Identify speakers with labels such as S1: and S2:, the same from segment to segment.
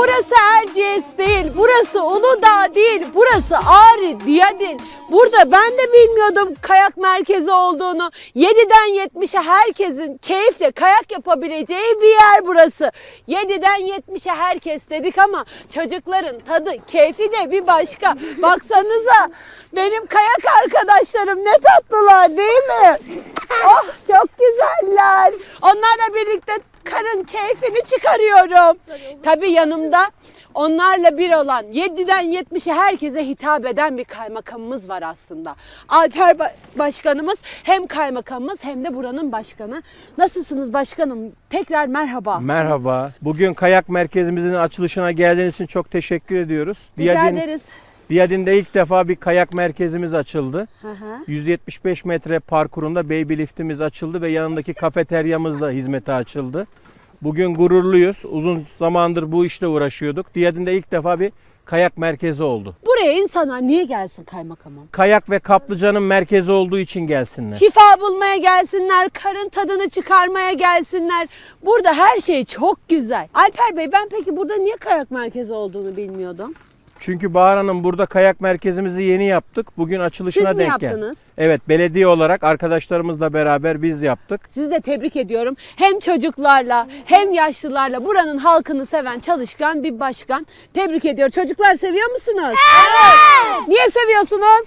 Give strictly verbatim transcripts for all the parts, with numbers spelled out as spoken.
S1: Burası Erciyes değil, burası Uludağ değil, burası Ağrı, Diyadin. Burada ben de bilmiyordum kayak merkezi olduğunu. yediden yetmişe herkesin keyifle kayak yapabileceği bir yer burası. yediden yetmişe herkes dedik ama çocukların tadı, keyfi de bir başka. Baksanıza benim kayak arkadaşlarım ne tatlılar değil mi? Oh çok güzeller. Onlarla birlikte karın keyfini çıkarıyorum. Tabii yanımda onlarla bir olan yediden yetmişe herkese hitap eden bir kaymakamımız var aslında. Alper ba- Başkanımız hem kaymakamımız hem de buranın başkanı. Nasılsınız başkanım? Tekrar merhaba.
S2: Merhaba. Bugün kayak merkezimizin açılışına geldiğiniz için çok teşekkür ediyoruz.
S1: Rica
S2: Diyadin,
S1: ederiz.
S2: Diyadin'de ilk defa bir kayak merkezimiz açıldı.
S1: Hı hı.
S2: yüz yetmiş beş metre parkurunda baby liftimiz açıldı ve yanındaki kafeteryamız da hizmete açıldı. Bugün gururluyuz. Uzun zamandır bu işle uğraşıyorduk. Diyadin'de ilk defa bir kayak merkezi oldu.
S1: Buraya insanlar niye gelsin kaymakamım?
S2: Kayak ve kaplıcanın merkezi olduğu için gelsinler.
S1: Şifa bulmaya gelsinler, karın tadını çıkarmaya gelsinler. Burada her şey çok güzel. Alper Bey, ben peki burada niye kayak merkezi olduğunu bilmiyordum.
S2: Çünkü Bahar Hanım burada kayak merkezimizi yeni yaptık. Bugün açılışına
S1: Siz mi
S2: denk geldi.
S1: yaptınız?
S2: Evet, belediye olarak arkadaşlarımızla beraber biz yaptık.
S1: Sizi de tebrik ediyorum. Hem çocuklarla hem yaşlılarla buranın halkını seven çalışkan bir başkan. Tebrik ediyorum. Çocuklar seviyor musunuz? Evet. Niye seviyorsunuz?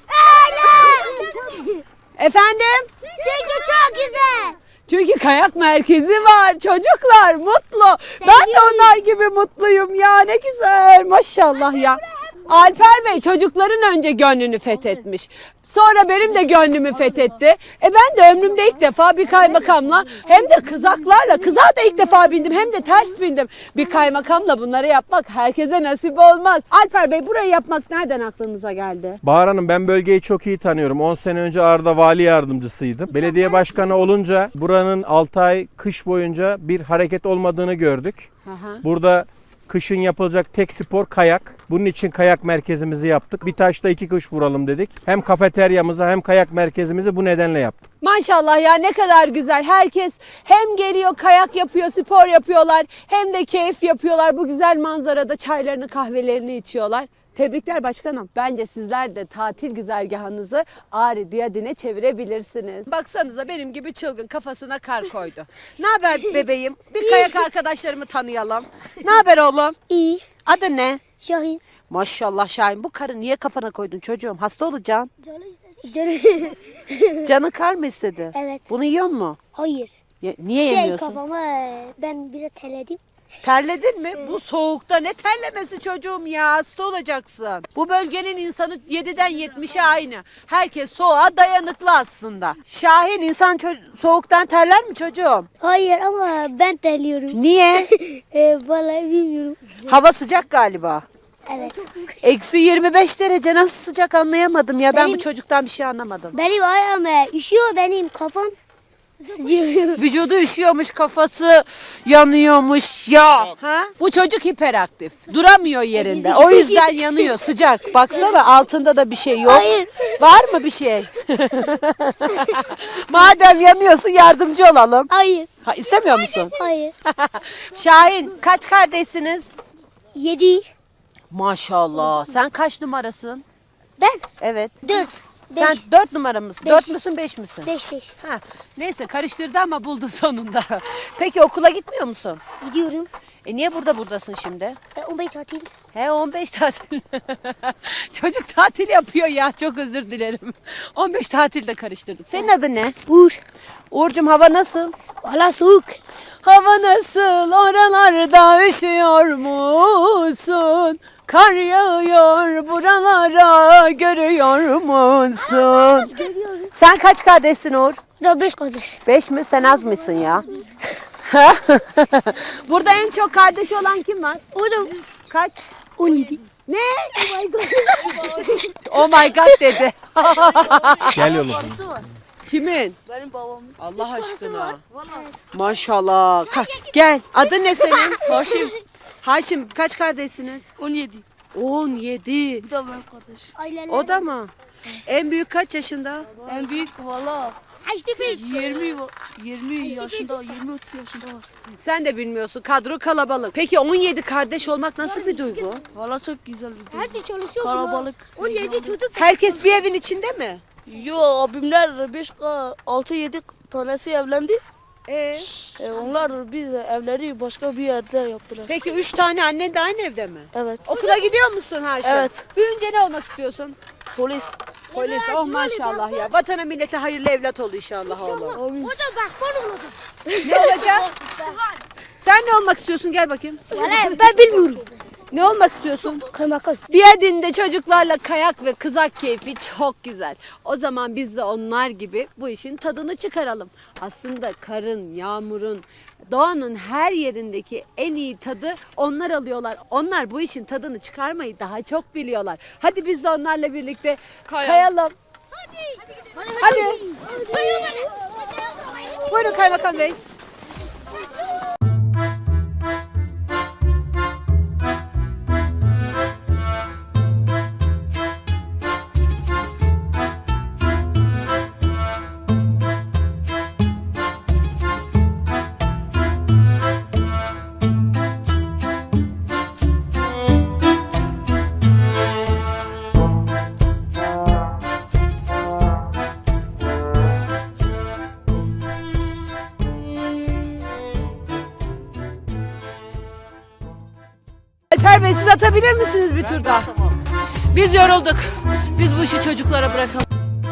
S1: Evet. Efendim?
S3: Çünkü çok güzel.
S1: Çünkü kayak merkezi var. Çocuklar mutlu. Ben de onlar gibi mutluyum ya. Ne güzel. Maşallah ya. Alper Bey çocukların önce gönlünü fethetmiş. Sonra benim de gönlümü fethetti. E ben de ömrümde ilk defa bir kaymakamla hem de kızaklarla, kızağa da ilk defa bindim hem de ters bindim. Bir kaymakamla bunları yapmak herkese nasip olmaz. Alper Bey, burayı yapmak nereden aklınıza geldi?
S2: Bahar Hanım, ben bölgeyi çok iyi tanıyorum. on sene önce Ağrı'da vali yardımcısıydım. Belediye başkanı olunca buranın altı ay kış boyunca bir hareket olmadığını gördük.
S1: Aha.
S2: Burada kışın yapılacak tek spor kayak. Bunun için kayak merkezimizi yaptık. Bir taşla iki kuş vuralım dedik. Hem kafeteryamızı hem kayak merkezimizi bu nedenle yaptık.
S1: Maşallah ya, ne kadar güzel. Herkes hem geliyor kayak yapıyor, spor yapıyorlar hem de keyif yapıyorlar. Bu güzel manzarada çaylarını kahvelerini içiyorlar. Tebrikler başkanım. Bence sizler de tatil güzergahınızı Ağrı Diyadin'e çevirebilirsiniz. Baksanıza benim gibi çılgın kafasına kar koydu. Ne haber bebeğim? Bir kayak arkadaşlarımı tanıyalım. Ne haber oğlum?
S3: İyi.
S1: Adı ne?
S3: Şahin.
S1: Maşallah Şahin, bu karı niye kafana koydun çocuğum? Hasta olacaksın.
S3: Canı istedi.
S1: Canın kar mı istedi?
S3: Evet.
S1: Bunu yiyor mu?
S3: Hayır.
S1: Ye- niye
S3: Şey
S1: yemiyorsun?
S3: kafama e, ben bir de teledim.
S1: Terledin mi? Bu soğukta ne terlemesi çocuğum ya, hasta olacaksın. Bu bölgenin insanı yediden yetmişe aynı. Herkes soğuğa dayanıklı aslında. Şahin, insan ço- soğuktan terler mi çocuğum?
S3: Hayır ama ben terliyorum.
S1: Niye?
S3: e, vallahi bilmiyorum.
S1: Hava sıcak galiba.
S3: Evet.
S1: Eksi yirmi beş derece nasıl sıcak anlayamadım ya. Ben bu
S3: Benim-
S1: çocuktan bir şey anlamadım.
S3: Benim ayağım e, üşüyor, benim kafam sıcıyor.
S1: Vücudu üşüyormuş, kafası yanıyormuş ya. Ha? Bu çocuk hiperaktif. Duramıyor yerinde. O yüzden yanıyor, sıcak. Baksana altında da bir şey yok.
S3: Hayır.
S1: Var mı bir şey? Madem yanıyorsun yardımcı olalım.
S3: Hayır.
S1: Ha, istemiyor musun?
S3: Hayır.
S1: Şahin, kaç kardeşsiniz?
S3: Yedi.
S1: Maşallah. Sen kaç numarasın?
S3: Ben
S1: Evet.
S3: dört.
S1: Sen
S3: Beş.
S1: dört numara mısın?
S3: Beş.
S1: Dört müsün, beş misin?
S3: Beş beş.
S1: Ha, neyse karıştırdı ama buldu sonunda. Peki okula gitmiyor musun?
S3: Gidiyorum.
S1: E niye burada buradasın şimdi?
S3: E, on beş tatil.
S1: He, on beş tatil. Çocuk tatil yapıyor ya, çok özür dilerim. on beş tatilde karıştırdık. Senin adın ne?
S3: Uğur.
S1: Uğur'cum, hava nasıl?
S3: Valla soğuk.
S1: Hava nasıl, oralarda üşüyor musun? Kar yağıyor buralara, görüyor musun?
S3: Görüyorum.
S1: Sen kaç kardeşsin Uğur?
S3: Daha beş kardeş.
S1: Beş mi? Sen az mısın ya? Burada en çok kardeş olan kim var?
S3: O da
S1: Kaç?
S3: on yedi.
S1: Ne?
S3: Oh my god.
S1: Oh my god dedi.
S2: Gel oğlum.
S1: Kimin?
S3: Benim babam.
S1: Allah aşkına. Maşallah. Ka- Gel. Adın ne senin? Haşim. Haşim, kaç kardeşsiniz?
S4: on yedi.
S1: on yedi.
S4: Bu da benim kardeş.
S1: O da mı? En büyük kaç yaşında?
S4: En büyük valla yirmi yirmi yaşında, yirmi otuz yaşında var.
S1: Sen de bilmiyorsun. Kadro kalabalık. Peki on yedi kardeş olmak nasıl bir duygu?
S4: Valla çok güzel bir duygu.
S3: Hadi çalışıyor.
S4: Kalabalık.
S3: on yedi çocuk.
S1: Herkes bir evin içinde mi?
S4: Yo, abimler beş altı yedi tanesi evlendi.
S1: Ee,
S4: E, onlar biz evleri başka bir yerde yaptılar.
S1: peki üç tane annen de aynı evde mi?
S4: Evet.
S1: Okula gidiyor musun Haşim?
S4: Evet.
S1: Büyünce ne olmak istiyorsun?
S4: Polis.
S1: Polis. Oh maşallah ya. Vatana millete hayırlı evlat ol inşallah oğlum.
S4: Amin.
S3: Hocam bak bana olacak.
S1: Ne olacak? Sen ne olmak istiyorsun? Gel bakayım.
S3: Valla ben bilmiyorum.
S1: Ne olmak istiyorsun?
S3: Kaymakam.
S1: Diyadin'de çocuklarla kayak ve kızak keyfi çok güzel. O zaman biz de onlar gibi bu işin tadını çıkaralım. Aslında karın, yağmurun, doğanın her yerindeki en iyi tadı onlar alıyorlar. Onlar bu işin tadını çıkarmayı daha çok biliyorlar. Hadi biz de onlarla birlikte kayalım.
S3: Hadi.
S1: Hadi. Buyurun Kaymakam Bey. Alper Bey siz atabilir misiniz bir tur daha? Biz yorulduk. Biz bu işi çocuklara bırakalım.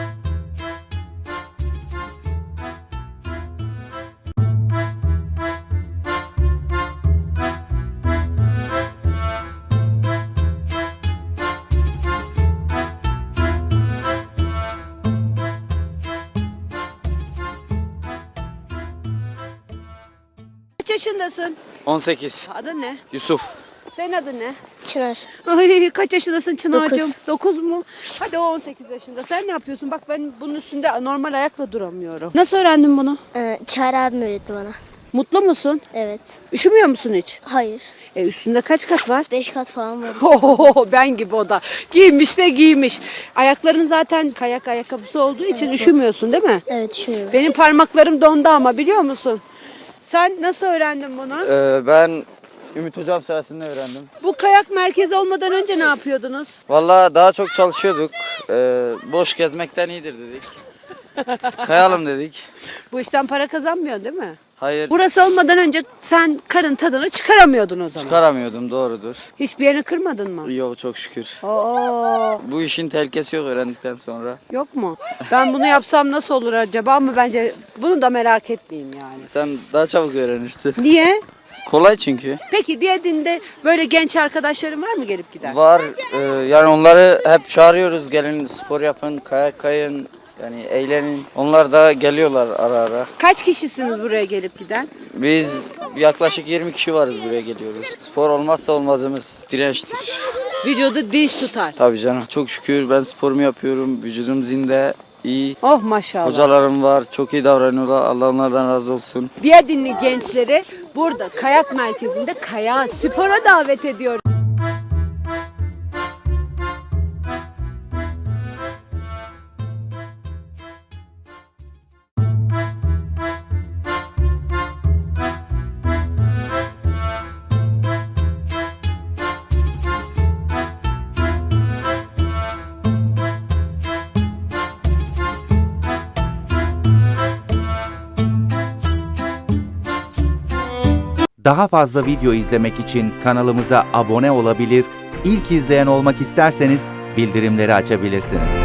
S1: Kaç yaşındasın?
S5: on sekiz.
S1: Adın ne?
S5: Yusuf.
S1: Senin adın ne?
S3: Çınar.
S1: Ay kaç yaşındasın Çınar'cığım?
S3: Dokuz.
S1: Dokuz mu? Hadi o on sekiz yaşında. Sen ne yapıyorsun? Bak ben bunun üstünde normal ayakla duramıyorum. Nasıl öğrendin bunu?
S3: Ee, Çağrı abim öğretti bana.
S1: Mutlu musun?
S3: Evet.
S1: Üşümüyor musun hiç?
S3: Hayır.
S1: E üstünde kaç kat var?
S3: Beş kat falan var.
S1: Ohoho, ben gibi o da. Giymiş de giymiş. Ayakların zaten kayak ayakkabısı olduğu için üşümüyorsun değil mi?
S3: Evet düşünüyorum.
S1: Benim parmaklarım dondu ama biliyor musun? Sen nasıl öğrendin bunu?
S5: Ee, ben Ümit Hocam sayesinde öğrendim.
S1: Bu kayak merkezi olmadan önce ne yapıyordunuz?
S5: Vallahi daha çok çalışıyorduk. Ee, boş gezmekten iyidir dedik. Kayalım dedik.
S1: Bu işten para kazanmıyorsun değil mi?
S5: Hayır,
S1: Burası olmadan önce sen karın tadını çıkaramıyordun o zaman.
S5: çıkaramıyordum, doğrudur.
S1: Hiçbir yerini kırmadın mı?
S5: Yok, çok şükür.
S1: Oo,
S5: Bu işin tehlikesi yok öğrendikten sonra.
S1: yok mu? Ben bunu yapsam nasıl olur acaba ama bence bunu da merak etmeyeyim yani.
S5: Sen daha çabuk öğrenirsin.
S1: Niye?
S5: Kolay çünkü.
S1: Peki Diyadin'de böyle genç arkadaşların var mı gelip giden?
S5: Var, e, yani onları hep çağırıyoruz. Gelin spor yapın, kayak kayın, yani eğlenin. Onlar da geliyorlar ara ara.
S1: Kaç kişisiniz buraya gelip giden?
S5: Biz yaklaşık yirmi kişi varız, buraya geliyoruz. Spor olmazsa olmazımız dirençtir.
S1: Vücudu dinç tutar.
S5: Tabii canım. Çok şükür ben sporumu yapıyorum. Vücudum zinde, iyi.
S1: Oh maşallah.
S5: Hocalarım var. Çok iyi davranıyorlar. Allah onlardan razı olsun.
S1: Diyadinli gençleri burada kayak merkezinde kayağa, spora davet ediyor.
S6: Daha fazla video izlemek için kanalımıza abone olabilir, ilk izleyen olmak isterseniz bildirimleri açabilirsiniz.